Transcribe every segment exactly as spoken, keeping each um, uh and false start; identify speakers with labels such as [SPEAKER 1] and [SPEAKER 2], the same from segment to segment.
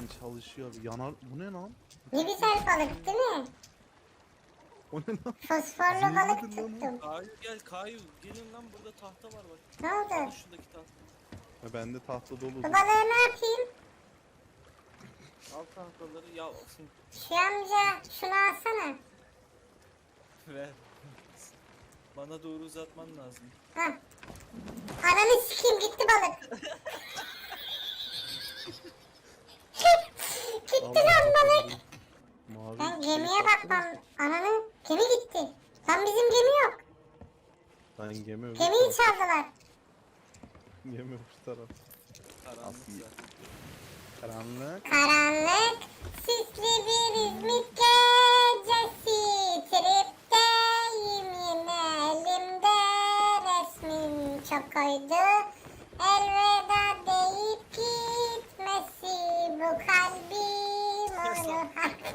[SPEAKER 1] çalışıyor. Yanar. Bu ne lan?
[SPEAKER 2] Ne güzel balık değil mi?
[SPEAKER 1] O ne lan?
[SPEAKER 2] Fosforlu
[SPEAKER 1] Zehirlidir
[SPEAKER 2] balık
[SPEAKER 1] lan o.
[SPEAKER 2] tuttum.
[SPEAKER 3] Kayu gel Kayu. Gelin lan burada tahta var bak.
[SPEAKER 2] Ne
[SPEAKER 3] Al
[SPEAKER 2] oldu?
[SPEAKER 3] şuradaki tahta.
[SPEAKER 1] Ha, bende tahta dolu.
[SPEAKER 2] Bu balığı ne yapayım?
[SPEAKER 3] Al tahtaları ya.
[SPEAKER 2] Şu amca şunu alsana.
[SPEAKER 3] Ver. Bana doğru uzatman lazım.
[SPEAKER 2] Hah. Ananı sikeyim gitti balık. Gitti lan balık.
[SPEAKER 1] Mavi
[SPEAKER 2] Ben
[SPEAKER 1] şey
[SPEAKER 2] gemiye
[SPEAKER 1] taktınız
[SPEAKER 2] bakmam.
[SPEAKER 1] mı?
[SPEAKER 2] Ananı gemi gitti. Lan bizim gemi yok.
[SPEAKER 1] Lan gemi öbür
[SPEAKER 2] Gemiyi
[SPEAKER 1] taraf.
[SPEAKER 2] çaldılar.
[SPEAKER 1] Gemi öbür taraf.
[SPEAKER 3] Karanlık
[SPEAKER 1] Aslında.
[SPEAKER 3] zaten.
[SPEAKER 1] Karanlık.
[SPEAKER 2] Karanlık sisli bir İzmit gecesi. Tripteyim yine elimde resmin çok koydu. Elveda deyip gitmesi bu kalbim
[SPEAKER 3] Kes
[SPEAKER 2] onu.
[SPEAKER 3] lan.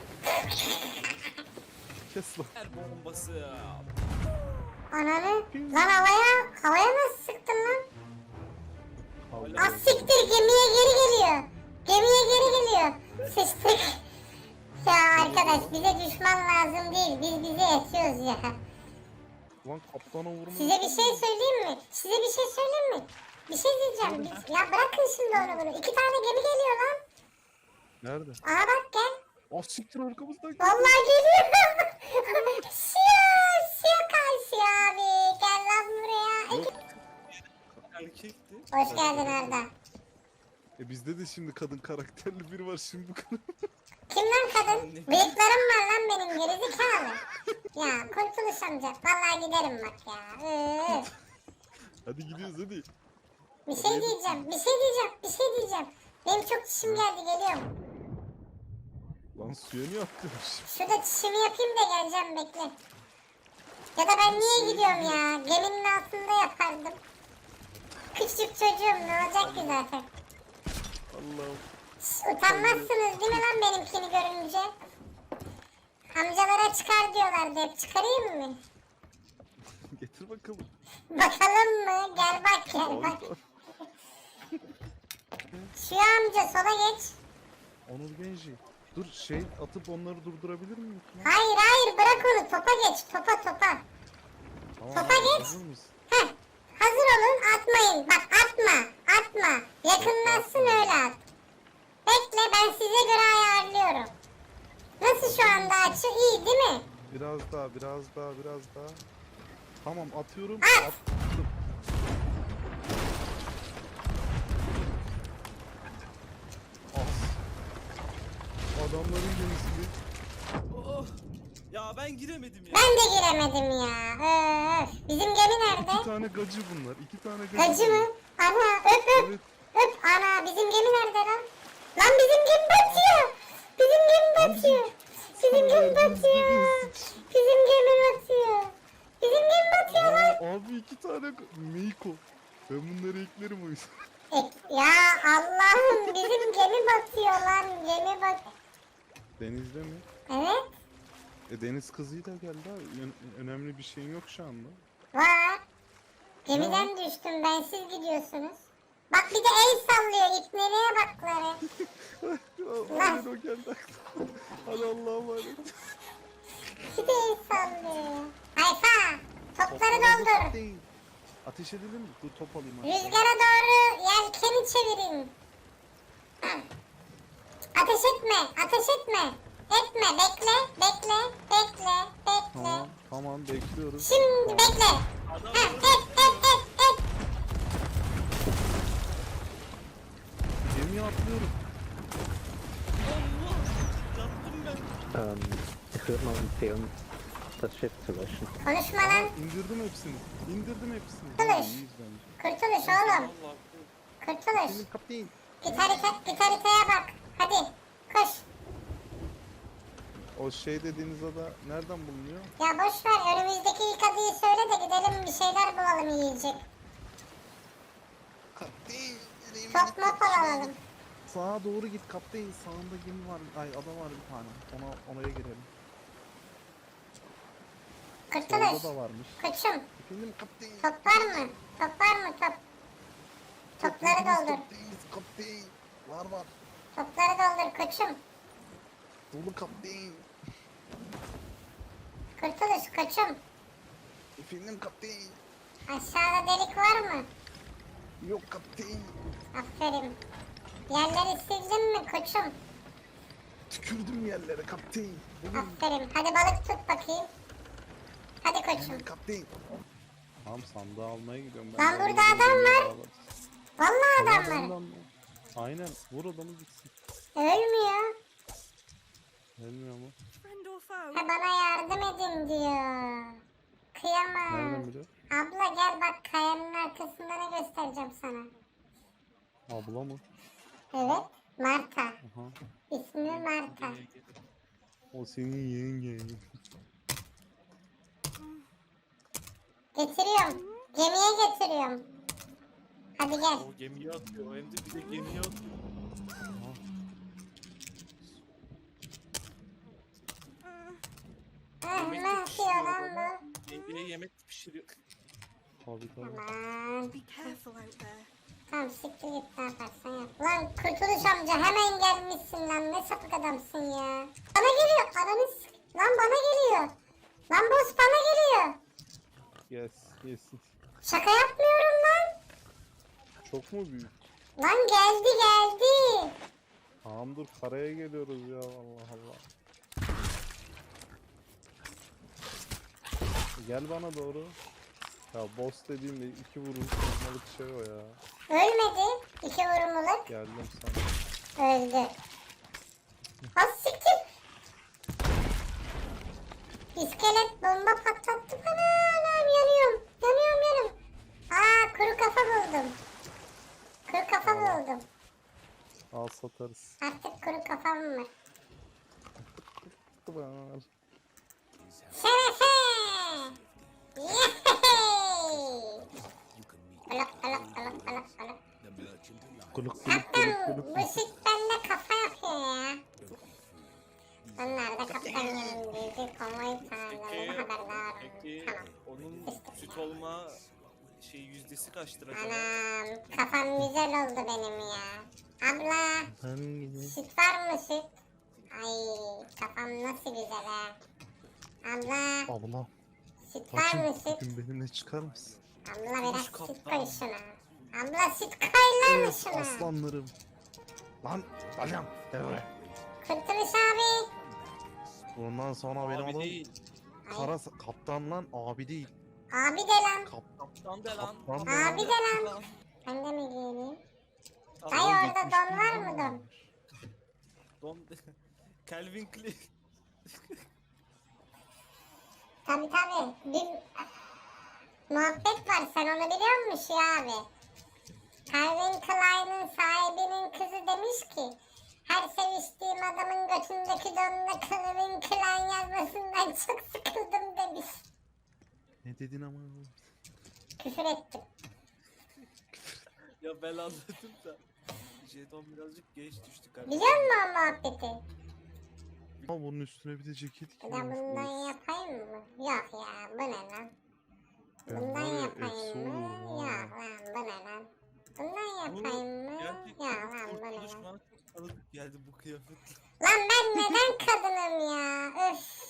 [SPEAKER 1] Kes lan.
[SPEAKER 3] Her bombası.
[SPEAKER 2] Ananı lan havaya havaya nasıl sıktın lan?
[SPEAKER 1] Allah
[SPEAKER 2] Az siktir gemiye geri geliyor. Gemiye geri geliyor. Sıçtık. Ya arkadaş bize düşman lazım değil. Biz bize yetiyoruz ya.
[SPEAKER 1] Lan kaptana vurma.
[SPEAKER 2] Size bir şey söyleyeyim mi? Size bir şey söyleyeyim mi? Bir şey diyeceğim. Biz- Ya bırakın şimdi onu bunu. İki tane gemi geliyor lan.
[SPEAKER 1] Nerede?
[SPEAKER 2] Aha bak gel.
[SPEAKER 1] Ah siktir arkamızdan.
[SPEAKER 2] Vallahi geliyor. Şiyo, şiyo karşı abi. Gel lan buraya.
[SPEAKER 1] Yok.
[SPEAKER 3] Erkekti.
[SPEAKER 2] Hoş geldin Arda.
[SPEAKER 1] E bizde de şimdi kadın karakterli biri var şimdi bu kadın.
[SPEAKER 2] Kim lan kadın? Bıyıklarım var lan benim gerizekalı. Ya kurtuluş amca. Vallahi giderim bak ya. Üf.
[SPEAKER 1] Hadi gidiyoruz hadi.
[SPEAKER 2] Bir şey diyeceğim. Bir şey diyeceğim. Bir şey diyeceğim. Benim çok çişim geldi geliyorum.
[SPEAKER 1] Lan suya niye atlıyormuş?
[SPEAKER 2] Şurada çişimi yapayım da geleceğim bekle. Ya da ben niye gidiyorum ya? Geminin altında yapardım. Küçük çocuğum ne olacak ki zaten?
[SPEAKER 1] Allah'ım.
[SPEAKER 2] Şş, utanmazsınız değil mi lan benimkini görünce? Amcalara çıkar diyorlardı hep. Çıkarayım mı?
[SPEAKER 1] Getir bakalım.
[SPEAKER 2] Bakalım mı? Gel bak gel bak.
[SPEAKER 1] Orada.
[SPEAKER 2] Şu amca sola geç.
[SPEAKER 1] Onur Genci. Dur şey atıp onları durdurabilir miyim? Ya?
[SPEAKER 2] Hayır hayır bırak onu topa geç topa topa.
[SPEAKER 1] Tamam,
[SPEAKER 2] Topa
[SPEAKER 1] abi,
[SPEAKER 2] geç.
[SPEAKER 1] hazır mısın?
[SPEAKER 2] Heh. Hazır olun atmayın. Bak atma atma. Yakınlaşsın öyle at. Bekle ben size göre ayarlıyorum. Nasıl şu anda açı iyi değil mi?
[SPEAKER 1] Biraz daha, biraz daha, biraz daha. Tamam atıyorum.
[SPEAKER 2] At.
[SPEAKER 1] Attım. As. Adamların gemisi.
[SPEAKER 3] Oh. Ya ben giremedim ya.
[SPEAKER 2] Ben de giremedim ya. Öf. Bizim gemi
[SPEAKER 1] İki
[SPEAKER 2] nerede?
[SPEAKER 1] tane gacı bunlar. İki tane gacı.
[SPEAKER 2] Gacı mı? Ana öp öp.
[SPEAKER 1] Evet.
[SPEAKER 2] Öp ana bizim gemi nerede lan? Lan bizim gemi batıyor. Bizim gemi
[SPEAKER 1] Lan bizim-
[SPEAKER 2] batıyor. Bizim gemi batıyor. Bizim gemi batıyor. Bizim gemi batıyor lan.
[SPEAKER 1] Aa, abi iki tane ga- Meiko. Ben bunları eklerim o yüzden.
[SPEAKER 2] E, ya Allah'ım bizim gemi batıyor lan. Gemi bat.
[SPEAKER 1] Denizde mi?
[SPEAKER 2] Evet
[SPEAKER 1] E deniz kızıyla geldi abi. Ö- önemli bir şeyin yok şu anda.
[SPEAKER 2] var. Gemiden düştüm ben siz gidiyorsunuz. Bak bir de el sallıyor ipneliğe bakları.
[SPEAKER 1] Aynen o geldi aklıma. Hadi Allah'a emanet.
[SPEAKER 2] Bir de el sallıyor. Hayfa topları
[SPEAKER 1] Toplarımız
[SPEAKER 2] doldur.
[SPEAKER 1] değil. Ateş edelim mi? Dur top alayım. aşağı.
[SPEAKER 2] Rüzgara doğru yelkeni çevirin. Ateş etme, ateş etme. Etme, bekle, bekle, bekle, bekle.
[SPEAKER 1] Tamam, tamam bekliyoruz.
[SPEAKER 2] Şimdi
[SPEAKER 1] Tamam.
[SPEAKER 2] bekle.
[SPEAKER 3] Adam
[SPEAKER 2] Ha, et, et, et, et.
[SPEAKER 1] Gemiye atlıyorum.
[SPEAKER 3] Allah. Yattım ben.
[SPEAKER 4] Ähm, ich würde mal empfehlen, das Schiff zu löschen.
[SPEAKER 2] Konuşma lan.
[SPEAKER 1] İndirdim hepsini. İndirdim hepsini.
[SPEAKER 2] Kılıç.
[SPEAKER 1] Tamam, iyiyiz bence.
[SPEAKER 2] Kurtuluş oğlum.
[SPEAKER 3] Allah.
[SPEAKER 2] Kurtuluş.
[SPEAKER 1] Senin kapteyn.
[SPEAKER 2] Git, harita, git haritaya bak. Hadi koş.
[SPEAKER 1] O şey dediğiniz ada nereden bulunuyor?
[SPEAKER 2] Ya boş ver önümüzdeki ilk adıyı söyle de gidelim bir şeyler bulalım yiyecek.
[SPEAKER 1] Kapteyn.
[SPEAKER 2] Top mop alalım.
[SPEAKER 1] Sağa doğru git kapteyn. Sağında gemi var. Ay ada var bir tane. Ona oraya girelim.
[SPEAKER 2] Kurtuluş.
[SPEAKER 1] Solda da varmış.
[SPEAKER 2] Koçum.
[SPEAKER 1] Efendim kapteyn.
[SPEAKER 2] Top var mı? Top var mı top? Topları doldur.
[SPEAKER 1] Kapteyn. Kapteyn. Var var.
[SPEAKER 2] Topları doldur koçum.
[SPEAKER 1] Dolu kaptan.
[SPEAKER 2] Kurtuluş koçum.
[SPEAKER 1] Efendim kaptan.
[SPEAKER 2] Aşağıda delik var mı?
[SPEAKER 1] Yok kaptan.
[SPEAKER 2] Aferin. Yerleri sildin mi koçum?
[SPEAKER 1] Tükürdüm yerlere kaptan. Bugün
[SPEAKER 2] Aferin. Hadi balık tut bakayım. Hadi koçum.
[SPEAKER 1] kaptan.
[SPEAKER 5] Tamam sandığı almaya gidiyorum
[SPEAKER 2] Lan
[SPEAKER 5] ben.
[SPEAKER 2] burada adam var. Vallahi adam var.
[SPEAKER 5] Adam var. Aynen vur adamı gitsin.
[SPEAKER 2] Ölmüyor.
[SPEAKER 5] Ölmüyor mu?
[SPEAKER 6] Friend or foe?
[SPEAKER 2] Ha bana yardım edin diyor. Kıyamam.
[SPEAKER 5] Nereden biliyor?
[SPEAKER 2] Abla gel bak kayanın arkasında ne göstereceğim sana.
[SPEAKER 5] Abla mı?
[SPEAKER 2] Evet. Marta.
[SPEAKER 5] Aha.
[SPEAKER 2] İsmi Marta.
[SPEAKER 5] O senin yengen.
[SPEAKER 2] Getiriyorum. Gemiye getiriyorum. Hadi gel.
[SPEAKER 3] O gemiye atıyor. Hem de bir de gemiye atıyor.
[SPEAKER 2] Ah, ne yapıyor lan bu?
[SPEAKER 3] Yengeye yemek pişiriyor.
[SPEAKER 5] Tabii tabii.
[SPEAKER 2] Aman.
[SPEAKER 6] Be careful out there.
[SPEAKER 2] Tamam siktir git ne yaparsan yap. Lan Kurtuluş amca hemen gelmişsin lan. Ne sapık adamsın ya. Bana geliyor. Ananı s- Lan bana geliyor. Lan boss bana geliyor.
[SPEAKER 5] Yes, yes.
[SPEAKER 2] Şaka yapmıyorum lan.
[SPEAKER 5] Çok mu büyük?
[SPEAKER 2] Lan geldi geldi.
[SPEAKER 5] Tamam dur karaya geliyoruz ya Allah Allah. Gel bana doğru. Ya boss dediğimde iki vuruş olmalık şey o ya.
[SPEAKER 2] Ölmedi. İki vurumluluk.
[SPEAKER 5] Geldim sana.
[SPEAKER 2] Öldü. Ha siktir. İskelet bomba patlattı bana. Anam yanıyorum. Yanıyorum yanıyorum. Aa kuru kafa buldum. Kuru kafa buldum.
[SPEAKER 5] Al satarız.
[SPEAKER 2] Artık kuru kafam var.
[SPEAKER 5] Var.
[SPEAKER 2] Şerefe. Yehey. Alak alak alak alak alak.
[SPEAKER 5] Kuluk kuluk
[SPEAKER 2] Kaptan
[SPEAKER 5] kuluk kuluk.
[SPEAKER 2] bu süt bende kafa yapıyor ya. Onlar da kaptan yanındaydı. Konvoy sağlığında haberdar.
[SPEAKER 3] Peki
[SPEAKER 2] Tamam.
[SPEAKER 3] onun süt olma şey yüzdesi kaçtır acaba?
[SPEAKER 2] Anam kafam güzel oldu benim ya. Abla
[SPEAKER 5] Ben gideyim.
[SPEAKER 2] süt var mı süt? Ay kafam nasıl güzel ha. Abla
[SPEAKER 5] Abla.
[SPEAKER 2] süt var mı
[SPEAKER 5] Bacım
[SPEAKER 2] süt?
[SPEAKER 5] bugün benimle çıkar mısın?
[SPEAKER 2] Abla biraz süt
[SPEAKER 3] kaptan.
[SPEAKER 2] koy şuna. Abla süt koy lan
[SPEAKER 1] Evet
[SPEAKER 2] şuna.
[SPEAKER 1] aslanlarım. Lan Dalyan devre.
[SPEAKER 2] Kurtuluş abi.
[SPEAKER 1] Bundan sonra benim
[SPEAKER 3] Abi
[SPEAKER 1] adım
[SPEAKER 3] değil.
[SPEAKER 1] Kara Kaptan lan abi değil.
[SPEAKER 2] Abi de lan.
[SPEAKER 1] Kap
[SPEAKER 3] Kaptan de lan.
[SPEAKER 1] Kaptan
[SPEAKER 2] de lan. Abi de lan. Ben de mi giyineyim? Dayı
[SPEAKER 3] Tamam.
[SPEAKER 2] orada don var mı don?
[SPEAKER 3] Don Calvin Klein.
[SPEAKER 2] Tabi tabi. Bir muhabbet var sen onu biliyor musun ya abi? Calvin Klein'in sahibinin kızı demiş ki her seviştiğim adamın götündeki donuna Calvin Klein yazmasından çok sıkıldım demiş.
[SPEAKER 1] Ne dedin ama?
[SPEAKER 2] Küfür ettim.
[SPEAKER 3] Ya ben anladım da. Jeton birazcık geç düştü kardeşim.
[SPEAKER 2] Biliyor musun o muhabbeti?
[SPEAKER 1] Ama bunun üstüne bir de ceket
[SPEAKER 2] Bir de
[SPEAKER 1] giymiş.
[SPEAKER 2] bundan
[SPEAKER 1] Of.
[SPEAKER 2] yapayım mı? Yok ya bu ne lan?
[SPEAKER 1] Ben
[SPEAKER 2] Bundan
[SPEAKER 1] var ya,
[SPEAKER 2] yapayım
[SPEAKER 1] efsi
[SPEAKER 2] mı?
[SPEAKER 1] olurum ha.
[SPEAKER 2] Yok lan bu ne lan? Bundan
[SPEAKER 3] Bu
[SPEAKER 2] yapayım mı?
[SPEAKER 3] gerçekten
[SPEAKER 2] Yok lan bu ne
[SPEAKER 3] kurtuluş
[SPEAKER 2] lan?
[SPEAKER 3] bana çok tanıdık geldi bu kıyafetle.
[SPEAKER 2] Lan ben neden kadınım ya? Öf.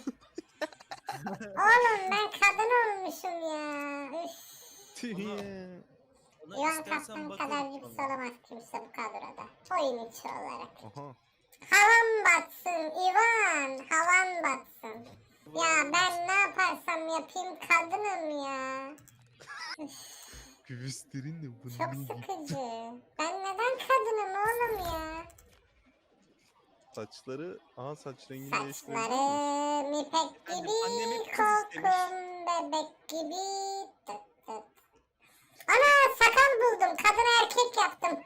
[SPEAKER 2] Oğlum ben kadın olmuşum ya. Üf.
[SPEAKER 1] Tiye.
[SPEAKER 3] Ona
[SPEAKER 2] Yuvan
[SPEAKER 3] istersen
[SPEAKER 2] kaptan
[SPEAKER 3] bakarım
[SPEAKER 2] kadar lüks
[SPEAKER 3] sonra.
[SPEAKER 2] olamaz kimse bu kadroda. Oyun içi olarak.
[SPEAKER 1] Aha.
[SPEAKER 2] Havan batsın Ivan. Havan batsın. Ya ben ne yaparsam yapayım kadınım ya.
[SPEAKER 1] Göğüslerin de
[SPEAKER 2] Çok
[SPEAKER 1] bunun gibi.
[SPEAKER 2] sıkıcı. Ben neden kadınım oğlum ya?
[SPEAKER 1] Saçları, aha saç rengini değiştirebilir miyiz?
[SPEAKER 2] Saçlarım ipek
[SPEAKER 3] Annem-
[SPEAKER 2] gibi,
[SPEAKER 3] annem hep kız istemiş.
[SPEAKER 2] kokum bebek gibi. Tıt tıt. Ana sakal buldum. Kadın erkek yaptım.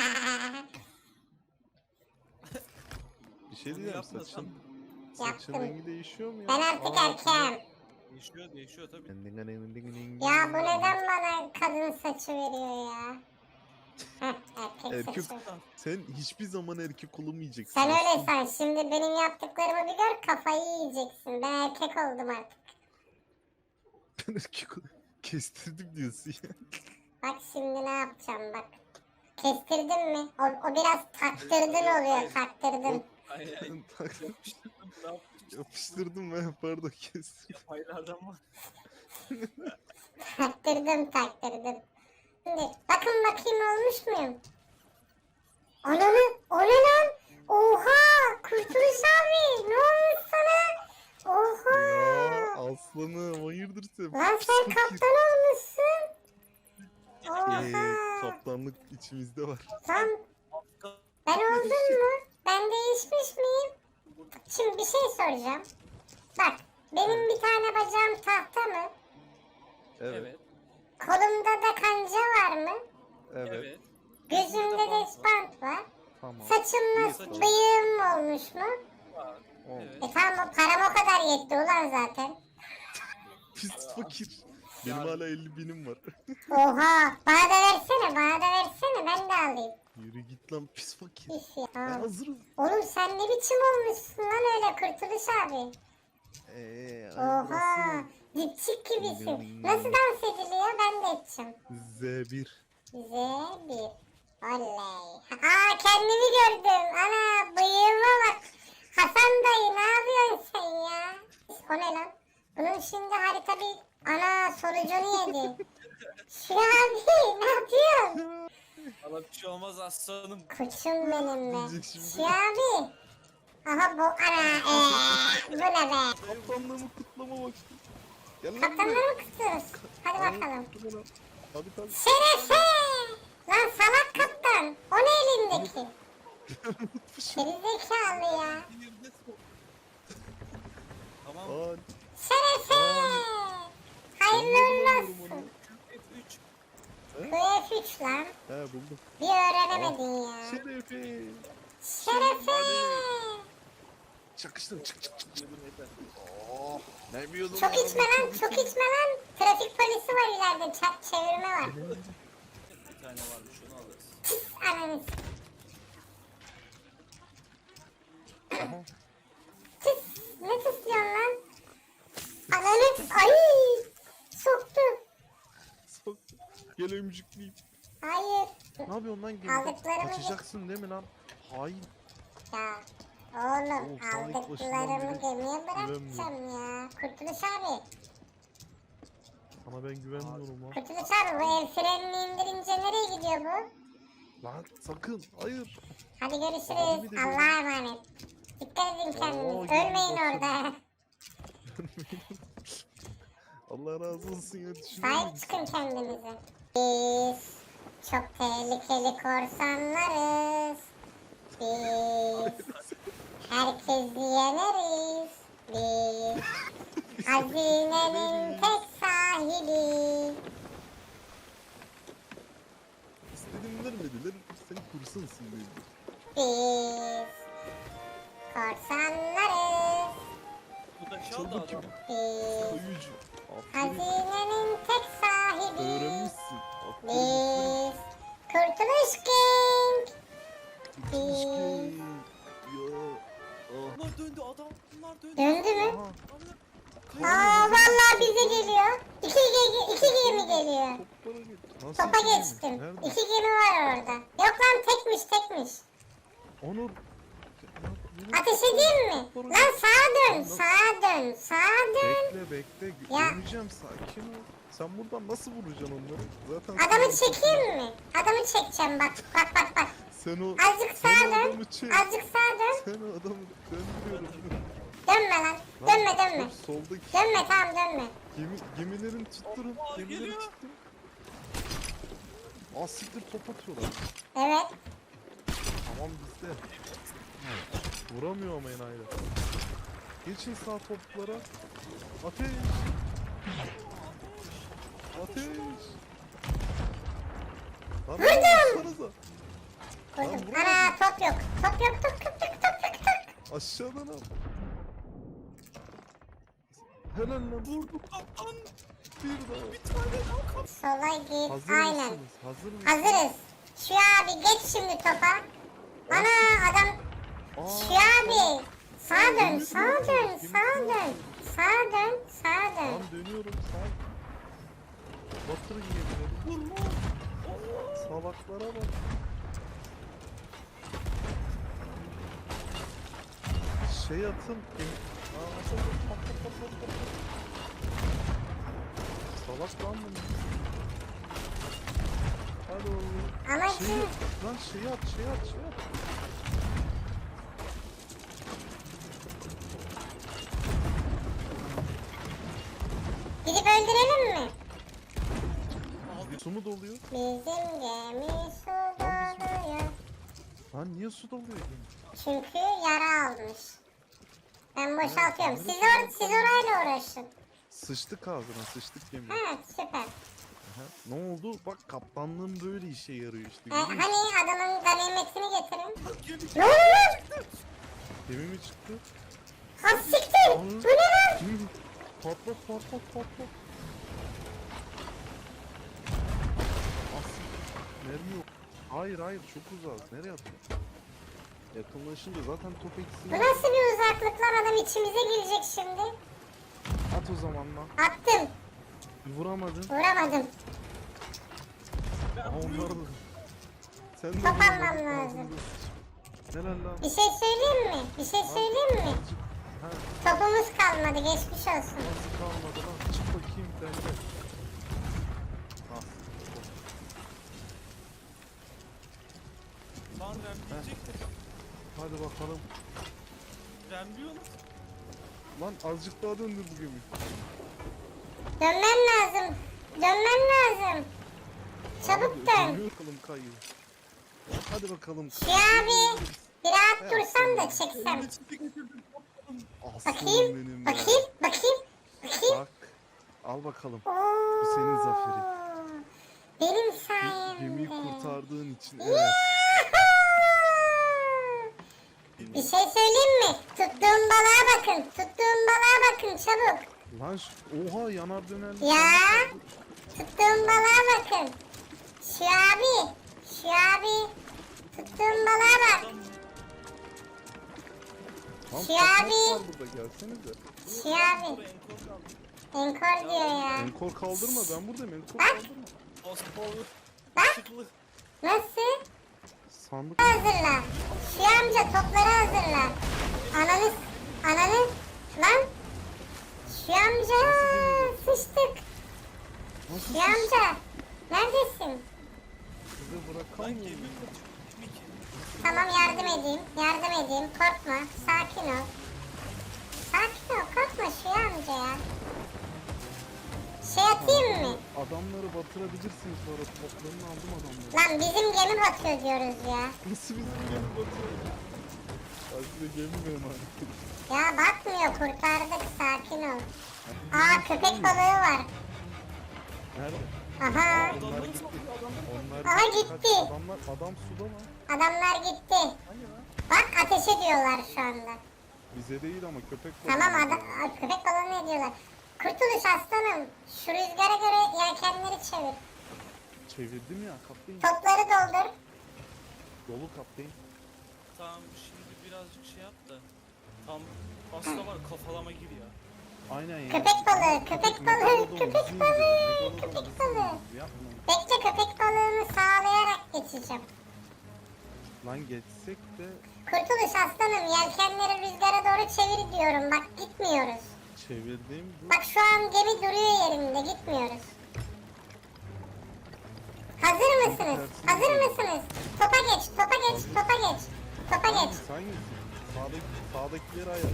[SPEAKER 1] Bir şey
[SPEAKER 3] Onu
[SPEAKER 1] diyeceğim
[SPEAKER 3] yapmasam
[SPEAKER 1] saçın. Saçın
[SPEAKER 2] Yaptım.
[SPEAKER 1] rengi değişiyor mu ya?
[SPEAKER 2] Ben artık
[SPEAKER 1] Aa,
[SPEAKER 2] erkeğim.
[SPEAKER 3] Değişiyor değişiyor tabii.
[SPEAKER 2] Ya bu neden bana kadın saçı veriyor ya? Heh, erkek,
[SPEAKER 1] Erkek-
[SPEAKER 2] saçı.
[SPEAKER 1] Sen hiçbir zaman erkek olamayacaksın.
[SPEAKER 2] Sen öyle
[SPEAKER 1] aslında.
[SPEAKER 2] san. Şimdi benim yaptıklarımı bir gör kafayı yiyeceksin. Ben erkek oldum artık.
[SPEAKER 1] Ben erkek ol- kestirdim diyorsun ya.
[SPEAKER 2] Bak şimdi ne yapacağım bak. Kestirdim mi? O, o biraz taktırdın oluyor, taktırdın.
[SPEAKER 3] Ay ay.
[SPEAKER 5] Tak-
[SPEAKER 3] Yapıştırdım. Ne yapayım?
[SPEAKER 5] Yapıştırdım ben, pardon kes.
[SPEAKER 3] Paylardan var.
[SPEAKER 2] Taktırdım, taktırdım. Şimdi bakın bakayım olmuş muyum? Ananı, o ne lan? Oha! Kurtuluş abi, ne olmuş sana? Oha!
[SPEAKER 5] Ya aslanım, hayırdır sen?
[SPEAKER 2] Lan
[SPEAKER 5] Pis
[SPEAKER 2] sen
[SPEAKER 5] fakir.
[SPEAKER 2] kaptan olmuşsun.
[SPEAKER 5] Ee,
[SPEAKER 2] Oha!
[SPEAKER 5] kaptanlık içimizde var.
[SPEAKER 2] Lan ben oldum mu? Ben değişmiş miyim? Şimdi bir şey soracağım. Bak, benim bir tane bacağım tahta mı?
[SPEAKER 5] Evet,
[SPEAKER 3] Evet.
[SPEAKER 2] Kolumda da kanca var mı?
[SPEAKER 5] evet.
[SPEAKER 3] Evet.
[SPEAKER 2] Gözümde de bant var.
[SPEAKER 5] Tamam.
[SPEAKER 2] Saçımla
[SPEAKER 3] Saçın-
[SPEAKER 2] bıyığım olmuş mu?
[SPEAKER 3] Var.
[SPEAKER 5] Oldu.
[SPEAKER 3] Evet.
[SPEAKER 2] E tamam, o param o kadar yetti ulan zaten.
[SPEAKER 5] Pis fakir. Benim hala elli binim var.
[SPEAKER 2] Oha, bana da versene, bana da versene, ben de alayım.
[SPEAKER 5] Yürü git lan pis fakir.
[SPEAKER 2] Üf ya.
[SPEAKER 5] Ben hazırım.
[SPEAKER 2] Oğlum sen ne biçim olmuşsun lan öyle Kurtuluş abi?
[SPEAKER 5] Eee
[SPEAKER 2] Oha, dipçik gibisin. Nasıl dans ediliyor, ben de edeceğim.
[SPEAKER 5] Z bir.
[SPEAKER 2] Z bir. Oley. Aa, kendimi gördüm. Ana, bıyığıma bak. Hasan dayı, ne yapıyorsun sen ya? O ne lan? Bunun şimdi harita bir... Ana, sonucunu yedi. Şu abi, ne yapıyorsun?
[SPEAKER 3] Valla bir şey olmaz aslanım.
[SPEAKER 2] Koçum benim be.
[SPEAKER 5] Diyecek şimdi.
[SPEAKER 2] Şu abi. Aha bu, ana, eee, bu ne be?
[SPEAKER 5] Kaptanlığımı kutlama vakti. Gel lan buraya.
[SPEAKER 2] Kaptanları mı kutluyoruz? Hadi bakalım.
[SPEAKER 5] Dur lan. Hadi tabii.
[SPEAKER 2] Şerefe! Lan salak kaptan. O ne elindeki? Gerizekalı ya.
[SPEAKER 3] Tamam.
[SPEAKER 5] Aa,
[SPEAKER 2] Şerefe! Hayırlı uğurlu olsun.
[SPEAKER 3] F üç.
[SPEAKER 2] Bu F üç lan.
[SPEAKER 5] he buldum.
[SPEAKER 2] Bir öğrenemedin ya.
[SPEAKER 5] Şerefe.
[SPEAKER 2] Şerefe!
[SPEAKER 5] Çakıştım çık çık çık. çık. Oh, ne biliyordum
[SPEAKER 2] Çok
[SPEAKER 5] ya.
[SPEAKER 2] içme lan, çok içme lan. Trafik polisi var ileride, çak çevirme var.
[SPEAKER 3] Bir tane varmış onu alırız.
[SPEAKER 2] Pis ananı.
[SPEAKER 5] Aha.
[SPEAKER 2] Tıs, ne tıslıyorsun lan? Ananı, ay! Soktu.
[SPEAKER 5] Sok. Gel ömcükleyeyim.
[SPEAKER 2] Hayır.
[SPEAKER 1] Ne yapıyorsun lan gemide?
[SPEAKER 2] Aldıklarımı-
[SPEAKER 1] Kaçacaksın değil mi lan? Hain.
[SPEAKER 2] Ya oğlum,
[SPEAKER 1] Oo, sana ilk başından
[SPEAKER 2] aldıklarımı
[SPEAKER 1] beri
[SPEAKER 2] gemiye bırakacağım ya. Kurtuluş abi.
[SPEAKER 5] Sana ben güvenmiyorum lan.
[SPEAKER 2] Kurtuluş abi, bu el frenini indirince nereye gidiyor bu?
[SPEAKER 5] Lan sakın. Hayır.
[SPEAKER 2] Hadi
[SPEAKER 5] Abi
[SPEAKER 2] görüşürüz.
[SPEAKER 5] de
[SPEAKER 2] Allah'a emanet. Dikkat edin
[SPEAKER 5] Oo,
[SPEAKER 2] kendinize.
[SPEAKER 5] gemi
[SPEAKER 2] Ölmeyin
[SPEAKER 5] basın.
[SPEAKER 2] orada.
[SPEAKER 5] Allah razı olsun ya. Düşünüyor
[SPEAKER 2] Sahip
[SPEAKER 5] musun?
[SPEAKER 2] çıkın kendinize. Biz çok tehlikeli korsanlarız. Biz herkesi yeneriz. Biz hazinenin tek sahibi.
[SPEAKER 5] İstediğimi vermediler. Sen kursansın dedi.
[SPEAKER 2] Biz korsanlarız.
[SPEAKER 3] Bu da
[SPEAKER 5] Çal
[SPEAKER 3] şal da adam.
[SPEAKER 5] bakayım.
[SPEAKER 2] Biz
[SPEAKER 5] Kayıcı. Aferin.
[SPEAKER 2] hazinenin tek sahibi.
[SPEAKER 5] Öğrenmişsin. Aferin.
[SPEAKER 2] Biz Kurtuluş King.
[SPEAKER 5] Keşke. Ya. Ah.
[SPEAKER 3] Bunlar döndü adamlar döndü.
[SPEAKER 2] Döndü mü?
[SPEAKER 5] Aha.
[SPEAKER 2] Aa, vallahi bize geliyor. İki, ge- iki gemi geliyor.
[SPEAKER 5] Toplara geç. Nasıl
[SPEAKER 2] Topa
[SPEAKER 5] iki gemi?
[SPEAKER 2] geçtim.
[SPEAKER 5] Nerede?
[SPEAKER 2] İki gemi var orada. Yok lan, tekmiş tekmiş.
[SPEAKER 5] Onur.
[SPEAKER 2] Ateş edeyim mi? Lan sağa dön, sağa dön, sağa dön.
[SPEAKER 5] Bekle bekle.
[SPEAKER 2] Ya.
[SPEAKER 5] Görmeyeceğim, sakin ol. Sen buradan nasıl vuracaksın onları? Zaten
[SPEAKER 2] Adamı
[SPEAKER 5] sen-
[SPEAKER 2] çekeyim mi? Adamı çekeceğim bak, bak bak bak.
[SPEAKER 5] Sen o
[SPEAKER 2] Azıcık
[SPEAKER 5] sen
[SPEAKER 2] sağa
[SPEAKER 5] o
[SPEAKER 2] dön,
[SPEAKER 5] adamı çek.
[SPEAKER 2] azıcık sağa dön.
[SPEAKER 5] Sen o adamı döndürüyorum.
[SPEAKER 2] Dönme lan, dönme dönme.
[SPEAKER 5] Dur, soldaki
[SPEAKER 2] Dönme, tamam dönme.
[SPEAKER 5] gemi, gemilerin tutturun.
[SPEAKER 3] Allah,
[SPEAKER 5] Gemilerin
[SPEAKER 3] geliyor.
[SPEAKER 5] tutturun. Aa siktir, top atıyorlar.
[SPEAKER 2] Evet.
[SPEAKER 5] Tamam bizde. Vuramıyor ama enayiler. Geçin sağ toplara. Ateş. Ateş. Lan vursanıza.
[SPEAKER 2] Kurdum.
[SPEAKER 5] vuramadım.
[SPEAKER 2] Ana, top yok. Top yok, top yok, top top top top.
[SPEAKER 5] Aşağıdan al. Helal lan.
[SPEAKER 3] Vurdu kaptan.
[SPEAKER 5] Bir daha.
[SPEAKER 3] Bir tane daha kaptan.
[SPEAKER 2] Sola git,
[SPEAKER 5] Hazır
[SPEAKER 2] aynen.
[SPEAKER 5] mısınız? Hazır mısınız?
[SPEAKER 2] Hazırız. Şu abi geç şimdi topa. Ana adam.
[SPEAKER 5] Aa,
[SPEAKER 2] Şu abi. Sağa dön, sağa dön, sağa dön. Sağa dön, sağa dön.
[SPEAKER 5] Tamam dönüyorum sağ. Batırın gemileri. Vurma. Salaklara bak. şey atın. Gemi... Aa, atın, atın, atın, atın, atın, atın. Salak lan bunu. Hadi oğlum.
[SPEAKER 2] Ama
[SPEAKER 5] Şeyi,
[SPEAKER 2] kim?
[SPEAKER 5] lan şeyi at, şeyi at, şeyi at.
[SPEAKER 2] Gidip öldürelim mi?
[SPEAKER 5] Su mu doluyor?
[SPEAKER 2] Bizim gemi su doluyor.
[SPEAKER 5] Lan niye su doluyor gemi?
[SPEAKER 2] Çünkü yara almış. Ben boşaltıyorum. Siz, or siz orayla uğraşın.
[SPEAKER 5] Sıçtık ağzına, sıçtık gemi.
[SPEAKER 2] Ha süper.
[SPEAKER 5] Aha. Ne oldu? Bak kaptanlığın böyle işe yarıyor işte.
[SPEAKER 2] E,
[SPEAKER 5] görüyor musun?
[SPEAKER 2] hani adamın ganimetini getirin.
[SPEAKER 3] Gemi
[SPEAKER 2] Ne oldu lan?
[SPEAKER 5] Gemi mi çıktı?
[SPEAKER 2] Ha siktir. Bu ne lan?
[SPEAKER 5] Gemi mi? Patlat patlat patlat. Asıl. Mermi yok. Hayır hayır çok uzak. Nereye atıyorsun? Yakınlaşınca zaten top
[SPEAKER 2] Bu
[SPEAKER 5] eksiği.
[SPEAKER 2] nasıl bir uzaklık lan, adam içimize girecek şimdi.
[SPEAKER 5] At o zaman lan.
[SPEAKER 2] Attım.
[SPEAKER 5] Vuramadın.
[SPEAKER 2] Vuramadım.
[SPEAKER 5] Aha onlar da. Sen de
[SPEAKER 2] Top
[SPEAKER 5] vuramadın,
[SPEAKER 2] almam lazım.
[SPEAKER 5] ağzında sıç. Helal lan.
[SPEAKER 2] Bir şey söyleyeyim mi? Bir şey söyleyeyim mi?
[SPEAKER 5] Azıcık. Ha,
[SPEAKER 2] Topumuz kalmadı, geçmiş olsun.
[SPEAKER 5] nasıl kalmadı lan? Çık bakayım ben de. Ah.
[SPEAKER 3] Lan remleyecektir.
[SPEAKER 5] Hadi bakalım.
[SPEAKER 3] Remliyor mu?
[SPEAKER 5] Lan azıcık daha döndür bu gemiyi.
[SPEAKER 2] Dönmem lazım. Dönmem lazım. Çabuk
[SPEAKER 5] Abi,
[SPEAKER 2] dön.
[SPEAKER 5] dönüyor bakalım kayıyor. Hadi bakalım.
[SPEAKER 2] Şu abi bir rahat dursan da çeksem.
[SPEAKER 5] Aslanım
[SPEAKER 2] Bakayım,
[SPEAKER 5] benim be.
[SPEAKER 2] bakayım, bakayım, bakayım.
[SPEAKER 5] Bak. Al bakalım.
[SPEAKER 2] Oo,
[SPEAKER 5] Bu senin zaferin.
[SPEAKER 2] benim
[SPEAKER 5] Bu
[SPEAKER 2] sayemde.
[SPEAKER 5] gemiyi kurtardığın için evet.
[SPEAKER 2] Yahoo! Bir şey söyleyeyim mi? Tuttuğum balığa bakın. Tuttuğum balığa bakın çabuk.
[SPEAKER 5] Lan şu- oha yanar döner.
[SPEAKER 2] Ya. Tuttuğum balığa bakın. Şu abi. Şu abi. Tuttuğum balığa bak.
[SPEAKER 5] Lan
[SPEAKER 2] Şu
[SPEAKER 5] patlat
[SPEAKER 2] abi.
[SPEAKER 5] var burada gelsenize.
[SPEAKER 2] Şu abi. Enkor diyor ya.
[SPEAKER 5] Enkor kaldırma ben buradayım enkor
[SPEAKER 2] Bak.
[SPEAKER 5] kaldırma.
[SPEAKER 3] Osmanlı.
[SPEAKER 2] Bak.
[SPEAKER 3] Işıklı.
[SPEAKER 2] Nasıl?
[SPEAKER 5] Sandık.
[SPEAKER 2] Hazırla. Şu amca topları hazırla. Ananı. Ananı. Lan. Şu amca. Sıçtık.
[SPEAKER 5] Nasıl
[SPEAKER 2] Şu amca. Neredesin?
[SPEAKER 5] size
[SPEAKER 3] Lan
[SPEAKER 5] bırakamıyorum.
[SPEAKER 3] gemi kaçıyor. Gemi ki.
[SPEAKER 2] Tamam yardım edeyim. Yardım edeyim. Korkma. Sakin ol. Sakin ol. Korkma şu amca ya. Şey atayım mı?
[SPEAKER 5] Adamları batırabilirsiniz sonra toplarını aldım adamları.
[SPEAKER 2] Lan bizim gemi batıyor diyoruz ya.
[SPEAKER 5] Nasıl bizim gemi batıyor? Ben size gemi mi emanet edeyim?
[SPEAKER 2] Ya batmıyor. Kurtardık. Sakin ol. Aa köpek balığı var.
[SPEAKER 5] Nerede?
[SPEAKER 2] Aha.
[SPEAKER 5] Onlar gitti. Onlar
[SPEAKER 2] Aha,
[SPEAKER 5] gitti.
[SPEAKER 2] gitti.
[SPEAKER 5] Kaç- Adamlar, adam suda mı?
[SPEAKER 2] Adamlar gitti. Bak ateş ediyorlar şu anda.
[SPEAKER 5] Bize değil ama köpek balığı.
[SPEAKER 2] Tamam adam Aa, köpek balığı ne diyorlar? Kurtuluş aslanım. Şu rüzgara göre yelkenleri çevir.
[SPEAKER 5] Çevirdim ya kaptayım.
[SPEAKER 2] Topları doldur.
[SPEAKER 5] Dolu kaptayım.
[SPEAKER 3] Tamam şimdi birazcık şey yap da. Tam aslında var kafalama gir ya.
[SPEAKER 5] Aynen ya.
[SPEAKER 2] Köpek balığı, köpek balığı,
[SPEAKER 5] Megalodon
[SPEAKER 2] köpek
[SPEAKER 5] bizi
[SPEAKER 2] balığı,
[SPEAKER 5] indirdi,
[SPEAKER 2] köpek
[SPEAKER 5] Megalodon bizi
[SPEAKER 2] balığı.
[SPEAKER 5] indirdi. Yapma.
[SPEAKER 2] Bekle köpek balığını sağlayarak geçeceğim.
[SPEAKER 5] Lan geçsek de
[SPEAKER 2] Kurtuluş aslanım yelkenleri rüzgara doğru çevir diyorum. Bak gitmiyoruz.
[SPEAKER 5] çevirdiğim bu.
[SPEAKER 2] Bak şu an gemi duruyor yerinde gitmiyoruz. Hazır mısınız? Hazır mısınız? Topa geç, topa geç, topa geç. Topa geç.
[SPEAKER 5] Hangisi hangisi? Sağdaki, sağdakileri ayar.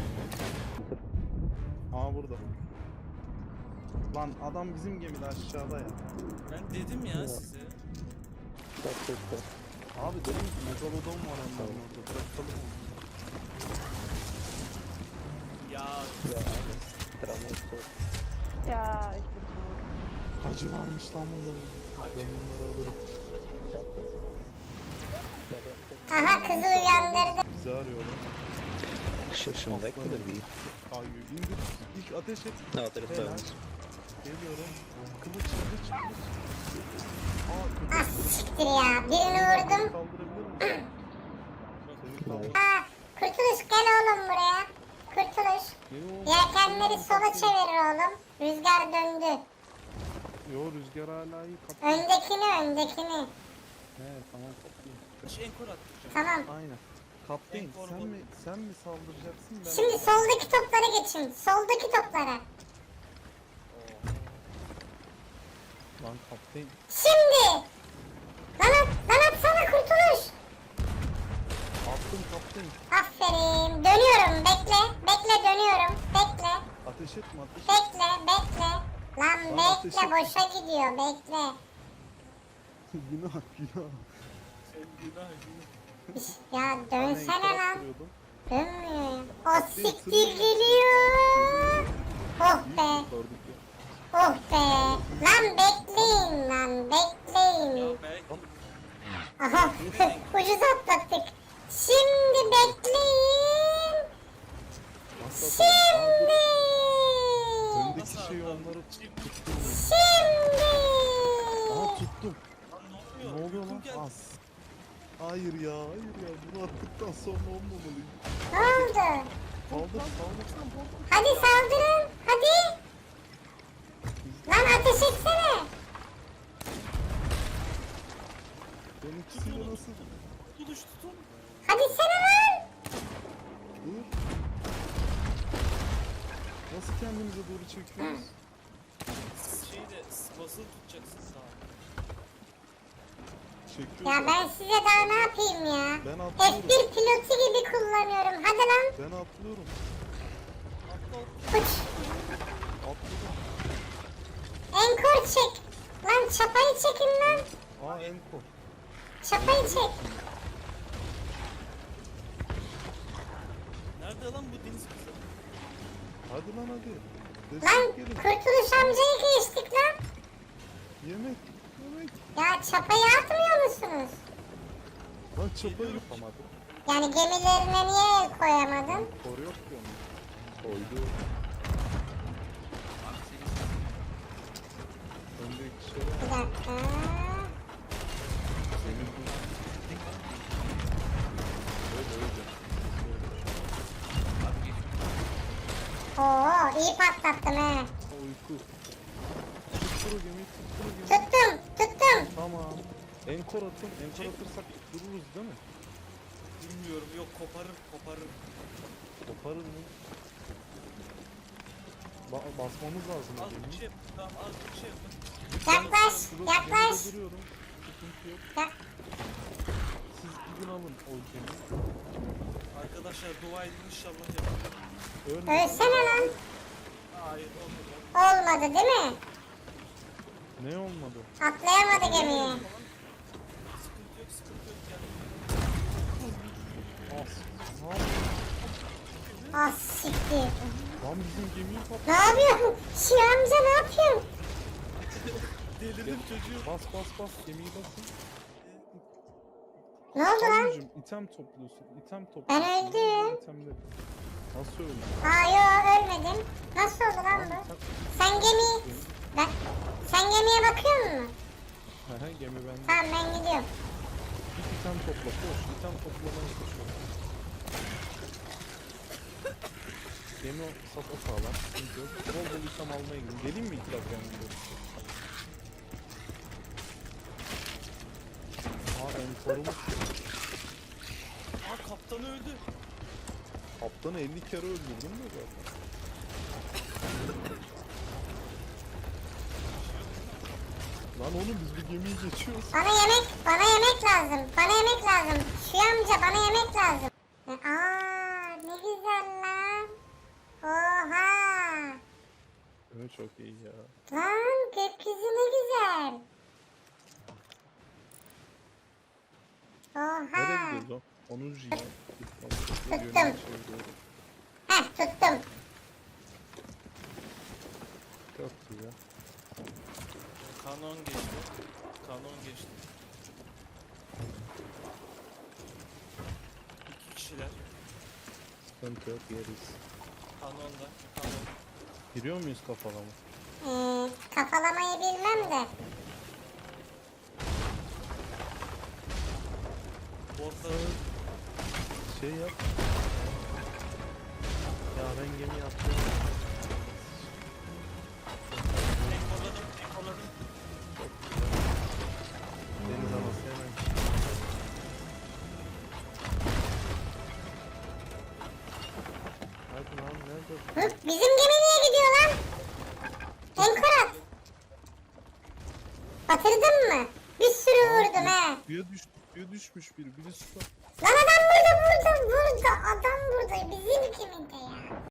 [SPEAKER 5] Aa burada. Lan adam bizim gemide aşağıda ya.
[SPEAKER 3] Ben dedim ya size.
[SPEAKER 4] Çok kötü.
[SPEAKER 5] Abi dedim ki megalodon var onların orada. Bırakalım onu.
[SPEAKER 3] Ya
[SPEAKER 4] Ya. Travma.
[SPEAKER 6] Ja, ich bin tot.
[SPEAKER 5] Hacı varmış lan bunların. Ben bunları alırım.
[SPEAKER 2] Aha kızı uyandırdı.
[SPEAKER 5] Bizi arıyorlar.
[SPEAKER 4] Şaşırmak mıdır bir?
[SPEAKER 5] Kayıyor. İndir. İlk ateş et.
[SPEAKER 4] No, there's
[SPEAKER 5] Helal.
[SPEAKER 4] bones.
[SPEAKER 5] Geliyorum. Kılıç kılıç kılıç. Aa köpek.
[SPEAKER 2] Ah siktir ya. Birini vurdum.
[SPEAKER 5] Kaldırabilir misin? Seni kaldır.
[SPEAKER 2] Aa, Kurtuluş gel oğlum buraya. Kurtuluş.
[SPEAKER 5] Ne o?
[SPEAKER 2] Yelkenleri sola çevir oğlum. Rüzgar döndü.
[SPEAKER 5] Yo rüzgar hala iyi kapı.
[SPEAKER 2] Öndekini öndekini.
[SPEAKER 5] He tamam kapıyı.
[SPEAKER 3] hiç enkor attıracağım.
[SPEAKER 2] Tamam.
[SPEAKER 5] Aynen. Kaptan
[SPEAKER 3] En korkmadım.
[SPEAKER 5] sen mi sen mi saldıracaksın ben
[SPEAKER 2] Şimdi
[SPEAKER 5] mi?
[SPEAKER 2] soldaki toplara geçin. Soldaki toplara.
[SPEAKER 5] Lan kaptan
[SPEAKER 2] Şimdi. Lan at, lan atsana kurtuluş.
[SPEAKER 5] attım kaptan.
[SPEAKER 2] Aferin. Dönüyorum. Bekle. Bekle dönüyorum. Bekle.
[SPEAKER 5] Ateş etme ateş etme.
[SPEAKER 2] Bekle. Bekle. Lan
[SPEAKER 5] Lan
[SPEAKER 2] bekle.
[SPEAKER 5] ateşi-
[SPEAKER 2] Boşa gidiyor. Bekle.
[SPEAKER 5] Günah günah.
[SPEAKER 3] Sen günah günah.
[SPEAKER 2] Ya
[SPEAKER 5] Ben
[SPEAKER 2] dönsene
[SPEAKER 5] enkaz
[SPEAKER 2] lan.
[SPEAKER 5] kuruyordum.
[SPEAKER 2] Dönmüyor. O
[SPEAKER 5] Kaptan,
[SPEAKER 2] siktir
[SPEAKER 5] sürüyor.
[SPEAKER 2] geliyor. Oh
[SPEAKER 5] İyi
[SPEAKER 2] be.
[SPEAKER 5] kurtardık ya.
[SPEAKER 2] Oh be. Lan bekleyin lan. Bekleyin.
[SPEAKER 3] Ya belki
[SPEAKER 2] Aha. Ucuz atlattık. Şimdi bekleyin.
[SPEAKER 5] Nasıl atalım? Aa, dur.
[SPEAKER 2] Şimdi.
[SPEAKER 5] Öndeki
[SPEAKER 3] Nasıl
[SPEAKER 5] şeyi
[SPEAKER 3] atalım?
[SPEAKER 5] onları
[SPEAKER 3] Çift-
[SPEAKER 5] tuttum.
[SPEAKER 2] Şimdi.
[SPEAKER 5] Aha tuttum.
[SPEAKER 3] Lan ne
[SPEAKER 5] Ne
[SPEAKER 3] oluyor?
[SPEAKER 5] oluyor lan?
[SPEAKER 3] Uykum geldi.
[SPEAKER 5] As. Hayır ya, hayır ya. Bunu attıktan sonra olmamalıyım.
[SPEAKER 2] Ne oldu?
[SPEAKER 5] Kaldır, kaldır.
[SPEAKER 2] Hadi saldırın. Hadi. Lan ateş etsene.
[SPEAKER 5] Benimkisiyle nasıl?
[SPEAKER 3] Tutuluş tutun.
[SPEAKER 2] Hadi sene lan.
[SPEAKER 5] Dur. Nasıl kendimize doğru çekiyoruz?
[SPEAKER 3] Şeyi de basılı tutacaksın sağa.
[SPEAKER 5] Çekiyoruz.
[SPEAKER 2] Ya ben size daha ne yapayım ya?
[SPEAKER 5] Ben
[SPEAKER 2] F
[SPEAKER 5] atlıyorum.
[SPEAKER 2] bir pilotu gibi kullanıyorum. Hadi lan.
[SPEAKER 5] Ben atlıyorum.
[SPEAKER 3] Atla.
[SPEAKER 2] Uç.
[SPEAKER 5] Atladım.
[SPEAKER 2] Enkor çek. Lan çapayı çekin lan.
[SPEAKER 5] Aa enko.
[SPEAKER 2] Çapayı çek.
[SPEAKER 3] Nerede lan bu deniz kızı?
[SPEAKER 5] Hadi lan hadi.
[SPEAKER 2] Lan
[SPEAKER 5] Destek gelin.
[SPEAKER 2] Kurtuluş amcayı geçtik lan.
[SPEAKER 5] Yemek. Yemek.
[SPEAKER 2] Ya çapayı atmıyor musunuz?
[SPEAKER 5] Lan çapayı yapamadım.
[SPEAKER 2] Yani gemilerine niye el koyamadın?
[SPEAKER 5] Kor yok ki onun. Koydu. Öndeki şey var.
[SPEAKER 2] Bir dakika.
[SPEAKER 5] Senin bu. Öyle öyle.
[SPEAKER 2] Oo iyi patlattım he.
[SPEAKER 5] Ha, uyku. Tutturu gemiyi tutturu gemiyi.
[SPEAKER 2] Tuttum tuttum.
[SPEAKER 5] Tamam. Enkor atın. Enkor atırsak dururuz değil mi?
[SPEAKER 3] Bilmiyorum yok koparır koparır.
[SPEAKER 5] Koparır mı? Ba basmamız lazım. o
[SPEAKER 3] Az bir
[SPEAKER 5] gemiyi.
[SPEAKER 3] şey yapın. Tamam az bir şey yapın.
[SPEAKER 2] Yaklaş
[SPEAKER 5] Şurada
[SPEAKER 2] yaklaş.
[SPEAKER 5] gemide duruyorum. Sıkıntı yok.
[SPEAKER 2] Ya-
[SPEAKER 5] Siz gidin alın o gemiyi.
[SPEAKER 3] Arkadaşlar dua edin inşallah yapın.
[SPEAKER 5] Ölmeyin.
[SPEAKER 2] Ölsene lan.
[SPEAKER 3] Hayır olmadı.
[SPEAKER 2] Olmadı değil mi?
[SPEAKER 5] Ne olmadı?
[SPEAKER 2] Atlayamadı gemiye.
[SPEAKER 3] Sıkıntı yok sıkıntı yok yani.
[SPEAKER 5] As. Ne yapıyorsun?
[SPEAKER 2] Ah siktir.
[SPEAKER 5] Lan bizim gemiyi patlattı.
[SPEAKER 2] Ne yapıyorsun? Şi amca ne yapıyorsun?
[SPEAKER 3] Delirdim çocuğu.
[SPEAKER 5] Bas bas bas gemiyi basın.
[SPEAKER 2] Ne oldu lan?
[SPEAKER 5] Anneciğim item topluyorsun. İtem topluyorsun.
[SPEAKER 2] Ben öldüm.
[SPEAKER 5] İtemleri. Nasıl öldün?
[SPEAKER 2] Aa yo ölmedim. Nasıl oldu lan bu? Sen gemi... Ben... Sen gemiye bakıyor musun?
[SPEAKER 5] Hehe gemi bende.
[SPEAKER 2] Tamam ben gidiyorum.
[SPEAKER 5] Git item topla. Koş. İtem toplamaya koşuyorum. Gemi sapa sağlam. Sıkıntı yok. Bol bol item almaya gidin. Geleyim mi iki dakika yanında? Aa enkorumuz.
[SPEAKER 3] Aa kaptan öldü.
[SPEAKER 5] Kaptanı elli kere öldürdün mü zaten? Lan oğlum biz bu gemiyi geçiyoruz.
[SPEAKER 2] Bana yemek, bana yemek lazım. Bana yemek lazım. Şu amca bana yemek lazım. Aa ne güzel lan. Oha.
[SPEAKER 5] Evet çok iyi ya.
[SPEAKER 2] Lan gökyüzü ne güzel.
[SPEAKER 5] Nereye
[SPEAKER 2] Oha.
[SPEAKER 5] gidiyoruz o? onuncu ya.
[SPEAKER 2] Tuttum. Heh tuttum.
[SPEAKER 5] Çok güzel.
[SPEAKER 3] Kanon geçti. Kanon geçti. İki kişiler.
[SPEAKER 5] Sıkıntı yok yeriz.
[SPEAKER 3] Kanonda. Kanon.
[SPEAKER 5] Giriyor muyuz kafalama?
[SPEAKER 2] Ee, kafalamayı bilmem de.
[SPEAKER 3] Orta.
[SPEAKER 5] Şey yap. Ya ben gemi yaptım.
[SPEAKER 3] Enkorladım. Enkorladım.
[SPEAKER 5] Deniz anası hemen.
[SPEAKER 2] Hı, bizim gemi niye gidiyor lan? Enkorat. Batırdın mı? Bir sürü vurdum he.
[SPEAKER 5] Suya düş, suya düşmüş biri. Biri suda.
[SPEAKER 2] Lan adam burada burada burada. Adam burada bizim gemide ya.